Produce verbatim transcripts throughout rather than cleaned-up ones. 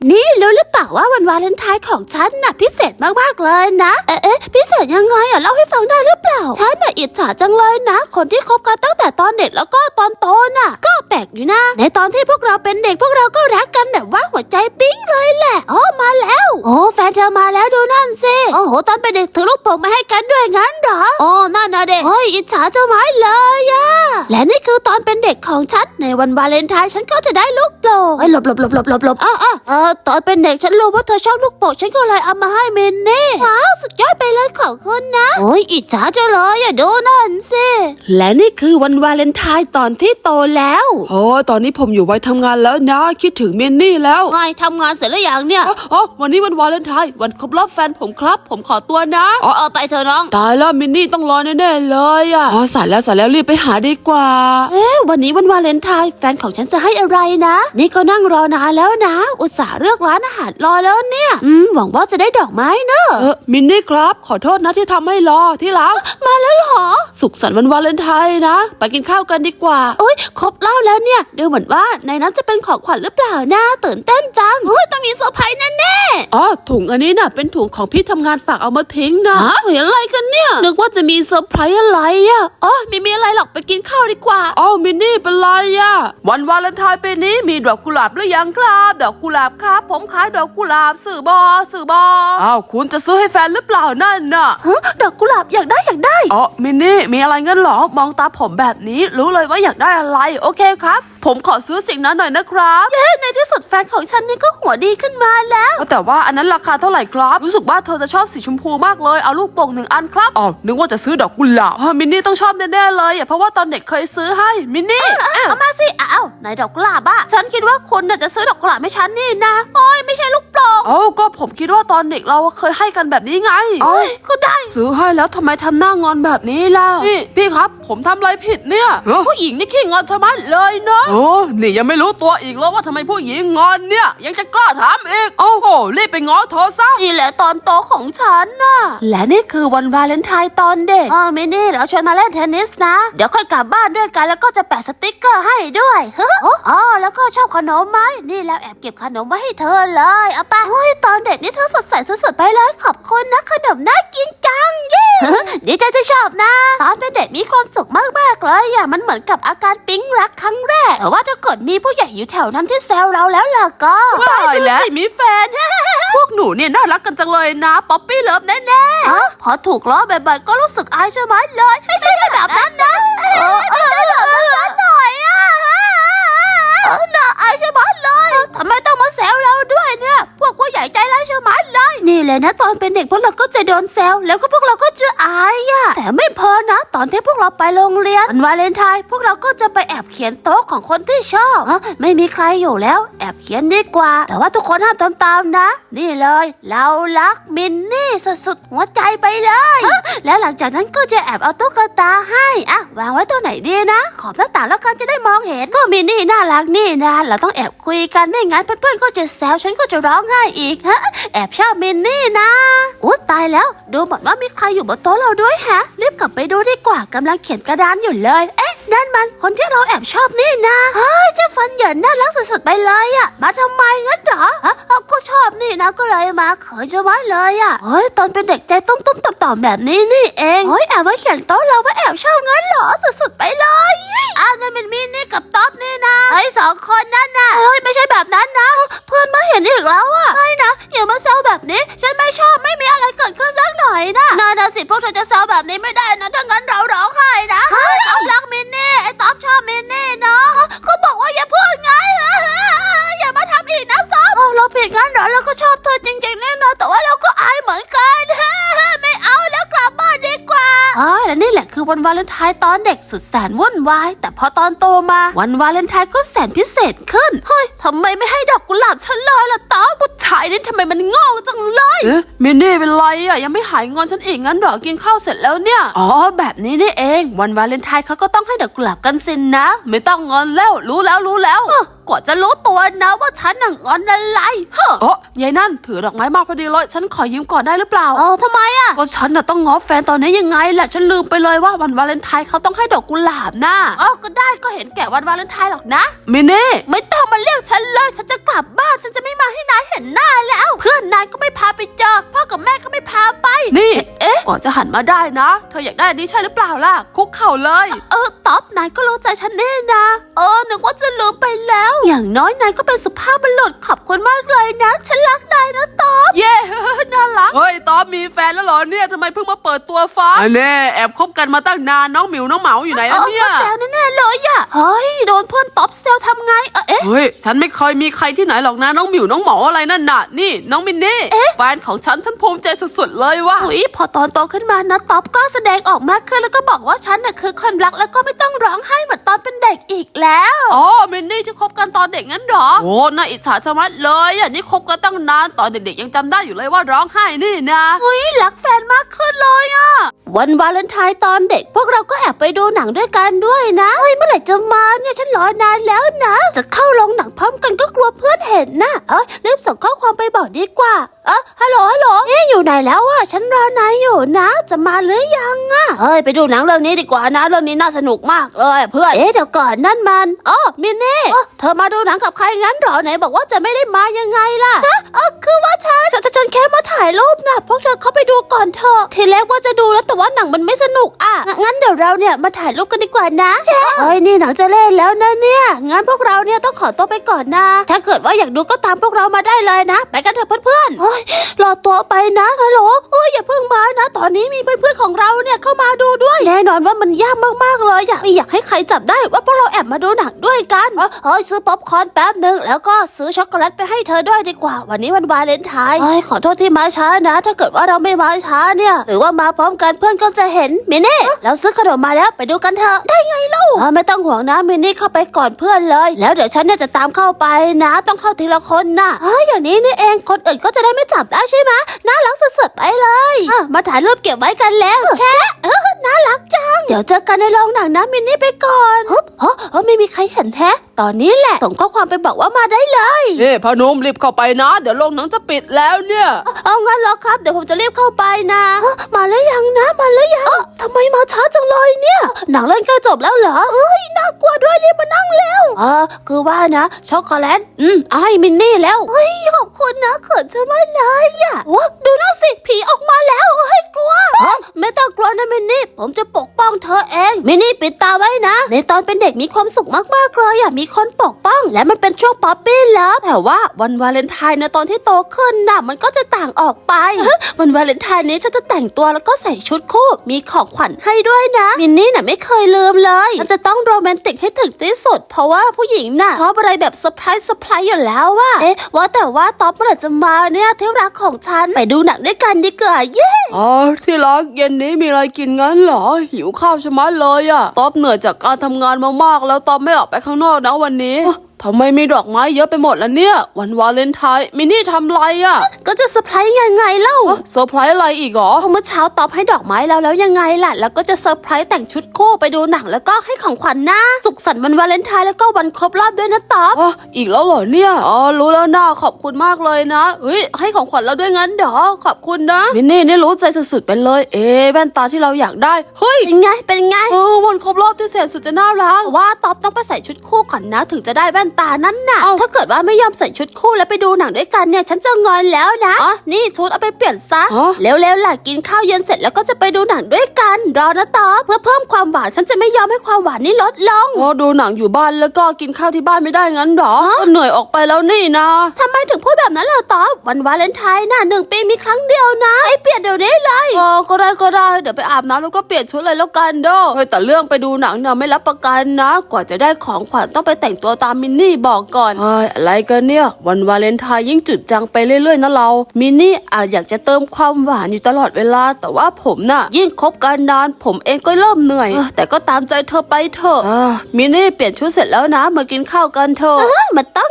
นี่รู้หรือเปล่าว่าวันวาเลนไทน์ของฉันน่ะพิเศษมากๆเลยนะเอ๊ะเอ๊ะพิเศษยังไงอ่ะเล่าให้ฟังได้หรือเปล่าฉันน่ะอิจฉาจังเลยนะคนที่คบกันตั้งแต่ตอนเด็กแล้วก็ตอนโตน่ะก็แปลกอยู่นะในตอนที่พวกเราเป็นเด็กพวกเราก็รักกันแบบว่าหัวใจปิ๊งเลยแหละโอ้มาแล้วโอ้แฟนเธอมาแล้วดูนั่นสิโอ้โหตอนเป็นเด็กถือลูกโป่งมาให้กันด้วยงั้นเหรอโอ้นั่นนะเด็กเฮ้ยอิจฉาเจ้าไม้เลยอะและนี่คือตอนเป็นเด็กของฉันในวันวาเลนไทน์ฉันก็จะได้ลูกโป่งเฮ้ยหลบหลบหลบหลบหลบหลบอ้าวอ้าวเออตอนเป็นเด็กฉันรู้ว่าเธอชอบลูกโป่งฉันก็เลยเอามาให้มินนี่ว้าวสุดยอดไปเลยของคุณนะโอ้ยอิจฉาจังเลยอะดูนั่นสิและนี่คือวันวาเลนไทน์ตอนที่โตแล้วโอ้ตอนนี้ผมอยู่วัยทำงานแล้วนะคิดถึงมินนี่แล้วไงทำงานเสร็จแล้วยังเนี่ยอ๋อวันนี้วันวาเลนไทน์วันครบรอบแฟนผมครับผมขอตัวนะอ๋อเออไปเถอะน้องตายแล้วมินนี่ต้องรอแน่ๆเลยอ่ะอ๋อสายแล้วสายแล้วรีบไปหาดีกว่าเอ๊ะวันนี้วันวาเลนไทน์แฟนของฉันจะให้อะไรนะนี่ก็นั่งรอนานแล้วนะอุตส่าห์เลือกร้านอาหารรอแล้วเนี่ยอืมหวังว่าจะได้ดอกไม้เนอะเออมินนี่ครับขอโทษนะที่ทำให้รอที่รักมาแล้วเหรอสุขสันต์วันวาเลนไทน์นะไปกินข้าวกันดีกว่าโอ๊ยครบรอบแล้วเนี่ยดูเหมือนว่าในนั้นจะเป็นของขวัญหรือเปล่านะตื่นเต้นจังเฮ้ยต้องมีเซอร์ไพรส์แน่ๆอ๋อถุงอันนี้น่ะเป็นถุงของพี่ทำงานฝากเอามาทิ้งนะฮะเห็นอะไรกันเนี่ยนึกว่าจะมีเซอร์ไพรส์อะไรอ่ะอ๋อไม่มีอะไรหรอกไปกินข้าวดีกว่าอ๋อมินนี่เป็นไรอ่ะวันวาเลนไทน์ปีนี้มีดอกกุหลาบหรือยังครับดอกกุหลาบครับผมขายดอกกุหลาบสื่อบอสื่อบออ้าวคุณจะซื้อให้แฟนหรือเปล่านั่นน่ะฮะดอกกุหลาบอยากได้อยากได้อ๋อมินนี่มีอะไรงั้นหรอมองตาผมแบบนี้รู้เลยว่าอยากได้อะไรโอเคครับผมขอซื้อสิ่งนั้นหน่อยนะครับเย้ในที่สุดแฟนของฉันนี่ก็หัวดีขึ้นมาแล้วแต่ว่าอันนั้นราคาเท่าไหร่ครับรู้สึกว่าเธอจะชอบสีชมพูมากเลยเอาลูกโป่งหนึ่งอันครับอ๋อนึกว่าจะซื้อดอกกุหลาบมินนี่ต้องชอบแน่ๆเลยเพราะว่าตอนเด็กเคยซื้อให้มินนี่เอามาสิอ้าวไหนดอกกุหลาบอะฉันคิดว่าคุณจะซื้อดอกกุหลาบให้ฉันนี่นะโอ้ยไม่ใช่ลูกโป่งเอ้าก็ผมคิดว่าตอนเด็กเราเคยให้กันแบบนี้ไงโอ้ยก็ได้ซื้อให้แล้วทำไมทำหน้างอนแบบนี้ล่ะนี่พี่ครับผมทำอะไรผิดเนี่ยผู้หญิงนี่ขี้งอนชะมัดเลยเนาะโอ้นี่ยังไม่รู้ตัวอีกแล้วว่าทำไมผู้หญิงงอนเนี่ยยังจะกล้าถามอีกโอ้โหรีบไปง้อเธอซะนี่แหละตอนโตของฉันน่ะและนี่คือวันวาเลนไทน์ตอนเด็กเออมินี่เราชวนมาเล่นเทนนิสนะเดี๋ยวค่อยกลับบ้านด้วยกันแล้วก็จะแปะสติ๊กเกอร์ให้ด้วยเฮ้ออ๋อแล้วก็ชอบขนมไหมนี่แล้วแอบเก็บขนมไว้ให้เธอเลยเอาไปเฮ้ยตอนเด็กนี่เธอสดใสสุดๆไปเลยขอบคุณนะขนมน่ากินจังเย้ดีใจที่ชอบนะตอนเป็นเด็กมีความสุขมากๆเลยอ่ะมันเหมือนกับอาการปิ๊งรักครั้งแรกแต่ว่าถ้าเกิดมีผู้ใหญ่อยู่แถวนั้นที่แซวเราแล้วล่ะก็ตายแล้วมีแฟนพวกหนูเนี่ยน่ารักกันจังเลยนะป๊อปปี้เลิฟแน่ๆเออพอถูกล้อบ่อยๆก็รู้สึกอายใช่ไหมเลยไม่ใช่แบบนั้นนะเออเออแบบนั้นหน่อยอ่ะเออน่าอายใช่ไหมเลยทำไมต้องมาแซวเราด้วยเนี่ยพวกผู้ใหญ่ใจร้ายใช่ไหมเลยนี่แหละนะตอนเป็นเด็กพวกเราก็จะโดนแซวแล้วก็พวกเราก็จะอายอ่ะแต่ไม่พอนะตอนที่พวกเราไปโรงเรียนวันวาเลนไทน์พวกเราก็จะไปแอบเขียนโต๊ะของคนที่ชอบไม่มีใครอยู่แล้วแอบเขียนดีกว่าแต่ว่าทุกคนห้ามทำตามนะนี่เลยเรารักมินนี่สุดๆหัวใจไปเลยแล้วหลังจากนั้นก็จะแอบเอาตุ๊กตาให้อ่ะวางไว้ตัวไหนดีนะขอบหน้าต่างแล้วกันจะได้มองเห็นก็มินนี่น่ารักนี่นะเราต้องแอบคุยกันไม่งั้นเพื่อนๆก็จะแซวฉันก็จะร้องไห้อีกฮะแอบชอบมินนี่นะอุ๊ยตายแล้วดูเหมือนว่ามีใครอยู่บนโต๊ะเราด้วยฮะรีบกลับไปดูดีกว่ากำลังเขียนกระดานอยู่เลยเอ๊ะนั่นมันคนที่เราแอบชอบนี่นะเฮ้ยเจ้าฟันเหยินน่ารักสุดๆไปเลยอ่ะมาทำไมงั้นเหรอฮะก็ชอบนี่นะก็เลยมาเขินจะไว้เลยอ่ะเฮ้ยตอนเป็นเด็กใจตุ้มๆต่อๆแบบนี้นี่เองเฮ้ยแอบมาเขียนโต๊ะเราว่าแอบชอบงั้นเหรอสุดๆไปเลยอ่ะนั่นเป็นมินนี่กับต๊อบนี่นะเฮ้ยสองคนนั่นน่ะเฮ้ยไม่ใช่แบบนั้นนะเพื่อนมาเห็นอีกแล้วอ่ะไม่นะอย่ามาแซวแบบนี้ฉันไม่ชอบไม่มีอะไรเกิดขึ้นสักหน่อยนะน่าน่ะสิพวกเธอจะแซวแบบนี้ไม่ได้นะถ้างั้นเราร้องไห้นะเฮ้ยต๊อบรักมินนี่ไอ้ต๊อบชอบมินนี่เนาะเขาบอกว่าอย่าพูดไงอย่ามาทำอีกนะต๊อบเราผิดงั้นเหรอเราก็ชอบเธอจริงๆแน่นอนแต่ว่าเราก็อายเหมือนกันไม่เอาแล้วกลับบ้านดีกว่าอ๋อและนี่แหละคือวันวาเลนไทน์ตอนเด็กสุดแสนวุ่นวายแต่พอตอนโตมาวันวาเลนไทน์ก็แสนพิเศษขึ้นเฮ้ยทำไมไม่ให้ดอกกุหลาบฉันเลยล่ะต๊อบผู้ชายนี่ทำไมมันโง่จังเลยเอ๊ะมินนี่เป็นไรอ่ะยังไม่หายงอนฉันอีกงั้นเหรอกินข้าวเสร็จแล้วเนี่ยอ๋อแบบนี้นี่เองวันวาเลนไทน์เขาก็ต้องให้ดอกกุหลาบกันสินนะไม่ต้องงอนแล้วรู้แล้วรู้แล้วกกว่าจะรู้ตัวนะว่าฉันน่ะงอนอะไรเฮ้อเอ๋อยายนั่นถือดอกไม้มาพอดีเลยฉันขอยืมก่อนได้หรือเปล่าเออทำไมอะก็ฉันน่ะต้องง้อแฟนตอนนี้ยังไงแหละฉันลืมไปเลยว่าวันวาเลนไทน์เขาต้องให้ดอกกุหลาบน่ะเออก็ได้ก็เห็นแก่วันวาเลนไทน์หรอกนะมินนี่ไม่ต้องมาเรียกฉันเลยฉันจะกลับบ้านฉันจะไม่มาให้นายเห็นหน้าแล้ว เพื่อนนายก็ไม่พาไปเจอพ่อกับแม่ก็ไม่พาไปนี่เอ๊ะก่อนจะหันมาได้นะเธออยากได้อันนี้ใช่หรือเปล่าล่ะคุกเข่าเลยเออต๊อบนายก็รู้ใจฉันแน่นะเออนึกว่าจะลืมไปแล้ว อย่างน้อยนายก็เป็นสุภาพบุรุษขอบคุณมากเลยนะฉันรักนายนะต๊อบเย้ น่ารักเฮ้ยต๊อบมีแฟนแล้วเหรอเนี่ยทำไมเพิ่งมาเปิดตัวฟ้าอันแน่แอบคบกันมาตั้งนานน้องหมิวน้องเหมาอยู่ไหนเอแล้วอเนี่ยก็แซวแน่ๆเลยอะเฮ้ยโดนเพื่อนต๊อบเซลทำไงเออเอ๊ะเฮ้ยฉันไม่เคยมีใครที่ไหนหรอกนะน้องหมิวน้องเหมาอะไรนั่นน่ะนี่น้องมินนี่แฟนของฉันฉันภูมิใจสุดๆเลยว่ะอุ๊ยพอตอนโตขึ้นมานะต๊อบกล้าแสดงออกมากขึ้นแล้วก็บอกว่าฉันน่ะคือคนรักแล้วก็ไม่ต้องร้องไห้เหมือนตอนเป็นเด็กอีกแล้วอ๋อมินนี่ที่คบกันตอนเด็กงั้นเหรอโอ้น่าอิจฉาชะมัดเลยอ่ะนี่คบกันตั้งนานตอนเด็กๆยังจำได้อยู่เลยว่าร้องไห้นี่นะเฮ้ยรักแฟนมากขึ้นเลยอะวันวาเลนไทน์ตอนเด็กพวกเราก็แอบไปดูหนังด้วยกันด้วยนะเฮ้ยเมื่อไหร่จะมาเนี่ยฉันรอนานแล้วนะจะเข้าโรงหนังพร้อมกันก็กลัวเพื่อนเห็นนะเอ้ยรีบส่งข้อความไปบอกดีกว่าเออฮัลโหลฮัลโหลเอ๊ะอยู่ไหนแล้วอะฉันรอนายอยู่นะจะมาหรือยังอะเฮ้ยไปดูหนังเรื่องนี้ดีกว่านะเรื่องนี้น่าสนุกมากเลยเพื่อนเอ๊ะเดี๋ยวก่อนนั่นมันอ๋อมินนี่อ๋อเธอมาดูหนังกับใครงั้นเหรอไหนบอกว่าจะไม่ได้มายังไงล่ะฮะเออคือว่าฉันฉันฉันแค่มาถ่ายรูปนะพวกเธอเข้าไปดูก่อนเถอะทีแรกว่าจะดูแล้วแต่ว่าหนังมันไม่สนุกอ่ะงงั้นเดี๋ยวเราเนี่ยมาถ่ายรูปกันดีกว่านะเฮ้ยนี่หนังจะเล่นแล้วนะเนี่ยงั้นพวกเราเนี่ยต้องขอตัวไปก่อนนะถ้าเกิดว่าอยากดูก็ตามพวกเรามาได้เลยนะไปกันเถอะเพื่อนๆเฮ้ยรอตัวไปนะฮัลโหลเฮ้ยอย่าเพิ่งมานะตอนนี้มีเพื่อนๆของเราเนี่ยเข้ามาดูด้วยแน่นอนว่ามันยากมากๆเลยอยากไม่อยากให้ใครจับได้ว่าพวกเราแอบมาดูหนังด้วยกันเฮ้ยซื้อป๊อปคอร์นแป๊บนึงแล้วก็ซื้อช็อกโกแลตไปให้เธอด้วยดีกว่าวันนี้วันวาเลนไทน์เฮ้ยขอโทษที่มาช้านะถ้าเกิดว่าเราไม่มาช้าเนี่ยหรือว่ามาพร้อมกันเพื่อนก็จะเห็นมินนี่เราซื้อขนมมาแล้วไปดูกันเถอะได้ไงลูกไม่ต้องห่วงนะมินนี่เข้าไปก่อนเพื่อนเลยแล้วเดี๋ยวฉันเนี่ยจะตามเข้าไปนะต้องเข้าทีละคนนะเฮ้ยอย่างนี้นี่เองคนอื่นก็จะได้ไม่จับได้ใช่ไหมน่ารักสุดๆไปเลยมาถ่ายรูปเก็บไว้กันแล้วแค่เออน่ารักจังเดี๋ยวเจอกันในโรงหนังนะมินนี่ไปก่อนฮึบเฮ้ยไม่มีใครเห็นแฮะตอนนี้แหละส่งข้อความไปบอกว่ามาได้เลยเฮ้พนมรีบเข้าไปนะเดี๋ยวโรงหนังจะปิดแล้วเนี่ยเอางั้นเหรอครับเดี๋ยวผมจะรีบเข้าไปนะมาแล้วยังนะมาแล้วยังทำไมมาช้าจังเลยเนี่ยหนังเล่นใกล้จบแล้วเหรอเอ้ยน่ากลัวด้วยรีบมานั่งเร็วเออคือว่านะช็อกโกแลตอืมเอาให้มินนี่แล้วเฮ้ยขอบคุณนะเขินจะไม่เลยอ่ะโอ้ดูนั่นสิผีออกมาแล้วเฮ้ยกลัวไม่ต้องกลัวนะมินนี่ผมจะปกป้องเธอเองมินนี่ปิดตาไว้นะในตอนเป็นเด็กมีความสุขมากๆเลยอ่ะมีคนปกป้องและมันเป็นช่วงป๊อปปี้เลิฟแต่ว่าวันวาเลนไทน์นะตอนที่โตขึ้นน่ะมันก็จะต่างออกไป วันวาเลนไทน์นี้ฉันจะแต่งตัวแล้วก็ใส่ชุดคู่มีของขวัญให้ด้วยนะมินนี่น่ะไม่เคยลืมเลยฉันจะต้องโรแมนติกให้ถึงที่สุดเพราะว่าผู้หญิงน่ะชอบอะไรแบบเซอร์ไพรส์เซอร์ไพรส์อยู่แล้วว่ะเอ๊ะว่าแต่ว่าต๊อบเมื่อไหร่จะมาเนี่ยที่รักของฉันไปดูหนังด้วยกันดีกว่าเย้อ๋อที่รักเย็นนี้มีอะไรกินงั้นเหรอหิวข้าวชะมัดเลยอะต๊อบเหนื่อยจากการทำงานมามากแล้วต๊อบไม่ออกไปข้างนอกนะวันนี้ทำไมมีดอกไม้เยอะไปหมดล่ะเนี่ยวันวาเลนไทน์มินนี่ทำไรอะก็จะเซอร์ไพรส์ยังไงเล่าเซอร์ไพรส์อะไรอีกเหรอเมื่อเช้าต๊อบให้ดอกไม้เราแล้วยังไงล่ะแล้วก็จะเซอร์ไพรส์แต่งชุดคู่ไปดูหนังแล้วก็ให้ของขวัญนะสุขสันต์วันวาเลนไทน์แล้วก็วันครบรอบด้วยนะต๊อบอ๋ออีกแล้วเหรอเนี่ยอ๋อรู้แล้วนะขอบคุณมากเลยนะเฮ้ยให้ของขวัญเราด้วยงั้นเดี๋ยวขอบคุณนะมินนี่นี่รู้ใจสุดๆไปเลยเอ๊ะแว่นตาที่เราอยากได้เฮ้ยเป็นไงเป็นไงเออวันครบรอบที่แสนสุดจะน่ารักว่าต๊อบต้องไปใส่ชุดคู่ก่อนนะถึงจะได้แว่นตานั้นน่ะถ้าเกิดว่าไม่ยอมใส่ชุดคู่แล้วไปดูหนังด้วยกันเนี่ยฉันจะงอนแล้วนะอ๋อนี่ชุดเอาไปเปลี่ยนซะเร็วๆล่ะกินข้าวเย็นเสร็จแล้วก็จะไปดูหนังด้วยกันรอนะต๊อบเพื่อเพิ่มความหวานฉันจะไม่ยอมให้ความหวานนี่ลดลงอ๋อดูหนังอยู่บ้านแล้วก็กินข้าวที่บ้านไม่ได้งั้นหรอเหนื่อยออกไปแล้วนี่นะทำไมถึงพูดแบบนั้นล่ะต๊อบวันวาเลนไทน์น่ะหนึ่งปีมีครั้งเดียวนะไอ้เปลี่ยนเดี๋ยวนี้เลยอ๋อก็ได้ก็ได้เดี๋ยวไปอาบน้ำแล้วก็เปลี่ยนชุดเลยแล้วกันเด้อเฮ้ยแต่เรื่องไปดูหนังเนี่ยไม่รับประกันนะกว่าจะได้ของขวัญต้องไปแต่งตัวตามมินนี่บอกก่อนเฮ้ยอะไรกันเนี่ยวันวาเลนไทน์ยิ่งจืดจังไปเรื่อยๆนะเรามินนี่อาจอยากจะเติมความหวานอยู่ตลอดเวลาแต่ว่าผมน่ะยิ่งคบกันนานผมเองก็เริ่มเหนื่อยแต่ก็ตามใจเธอไปเถอะมินนี่เปลี่ยนชุดเสร็จแล้วนะมากินข้าวกันเถอะมันต้องอ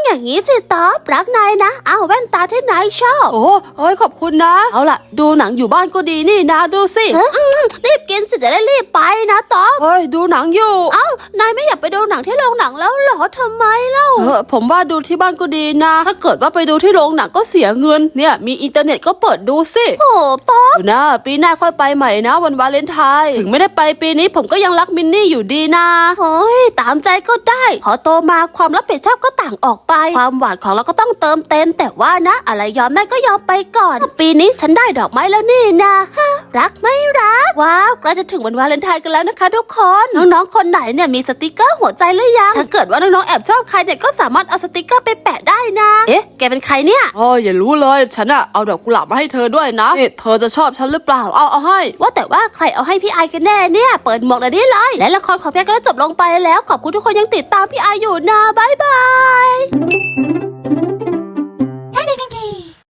อย่างนี้สิต๊อบรักนายนะเอาแว่นตาที่นายชอบโอ้เอ้ยขอบคุณนะ เอาล่ะดูหนังอยู่บ้านก็ดีนี่นะดูสิเอ้ยอืมรีบกินสิจะได้รีบไปนะต๊อบเฮ้ยดูหนังอยู่เอ้านายไม่อยากไปดูหนังที่โรงหนังแล้วเหรอทำไมเล่าเออผมว่าดูที่บ้านก็ดีนะ ถ้าเกิดว่าไปดูที่โรงหนังก็เสียเงินเนี่ยมีอินเทอร์เน็ตก็เปิดดูสิโอ้ต๊อบดูนะปีหน้าค่อยไปใหม่นะวันวาเลนไทน์ถึงไม่ได้ไปปีนี้ผมก็ยังรักมินนี่อยู่ดีนะโอ้ยตามใจก็ได้พอโตมาความรับผิดชอบก็ต่างออกไป ความหวานของเราก็ต้องเติมเต็มแต่ว่านะ อะไรยอมได้ก็ยอมไปก่อน ปีนี้ฉันได้ดอกไม้แล้วนี่นะฮะรักไม่รักว้าวใกล้จะถึงวันวาเลนไทน์กันแล้วนะคะทุกคนน้องๆคนไหนเนี่ยมีสติกเกอร์หัวใจหรือยังถ้าเกิดว่าน้องๆแอบชอบใครเด็กก็สามารถเอาสติกเกอร์ไปแปะได้นะเอ๊ะแกเป็นใครเนี่ยโอ้ยอย่ารู้เลยฉันอะเอาดอกกุหลาบมาให้เธอด้วยนะนี่เธอจะชอบฉันหรือเปล่าเอาเอาให้ว่าแต่ว่าใครเอาให้พี่ไอกันแน่เนี่ยเปิดหมวกเลยนี่เลยและละครของพี่ไอก็ได้จบลงไปแล้วขอบคุณทุกคนยังติดตามพี่ไออยู่นะบ๊ายบาย